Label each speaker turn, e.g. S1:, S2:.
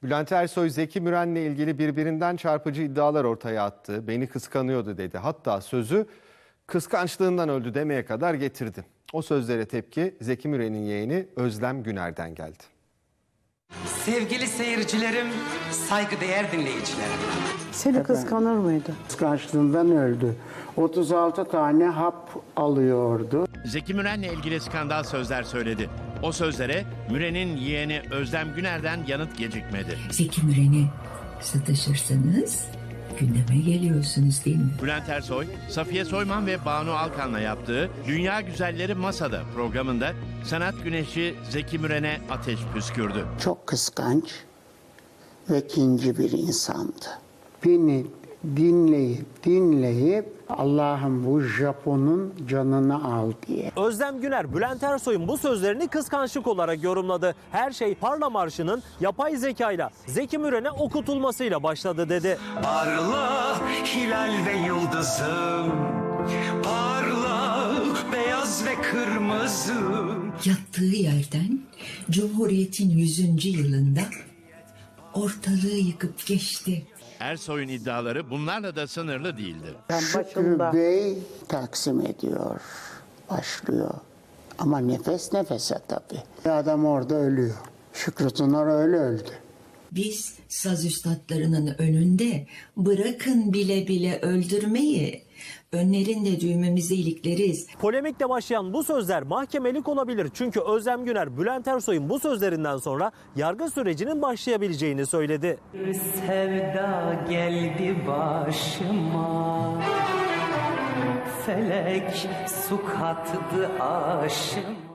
S1: Bülent Ersoy, Zeki Müren'le ilgili birbirinden çarpıcı iddialar ortaya attı. Beni kıskanıyordu dedi. Hatta sözü kıskançlığından öldü demeye kadar getirdi. O sözlere tepki Zeki Müren'in yeğeni Özlem Güner'den geldi.
S2: Sevgili seyircilerim, saygıdeğer dinleyicilerim.
S3: Seni kıskanır mıydı?
S4: Kıskançlığından öldü. 36 tane hap alıyordu.
S5: Zeki Müren'le ilgili skandal sözler söyledi. O sözlere Müren'in yeğeni Özlem Güner'den yanıt gecikmedi.
S6: Zeki Müren'e sataşırsanız gündeme geliyorsunuz değil mi?
S5: Bülent Ersoy, Safiye Soyman ve Banu Alkan'la yaptığı Dünya Güzelleri Masada programında sanat güneşi Zeki Müren'e ateş püskürdü.
S4: Çok kıskanç ve kinci bir insandı. Beni dinleyip Allah'ım bu Japon'un canını al diye.
S7: Özlem Güner, Bülent Ersoy'un bu sözlerini kıskançlık olarak yorumladı. Her şey Parla Marşı'nın yapay zekayla Zeki Müren'e okutulmasıyla başladı dedi.
S2: Parla hilal ve yıldızım, parla beyaz ve kırmızı.
S6: Yattığı yerden Cumhuriyet'in 100. yılında ortalığı yıkıp geçti.
S5: Ersoy'un iddiaları bunlarla da sınırlı değildi.
S4: Şükrü Bey taksim ediyor, başlıyor. Ama nefes nefese tabii. Adam orada ölüyor. Şükrü Tınar öyle öldü.
S6: Biz saz üstadlarının önünde bırakın bile bile öldürmeyi, önlerinde düğmemizi ilikleriz.
S7: Polemikle başlayan bu sözler mahkemelik olabilir. Çünkü Özlem Güner, Bülent Ersoy'un bu sözlerinden sonra yargı sürecinin başlayabileceğini söyledi.
S2: Sevda geldi başıma, felek su kattı aşıma.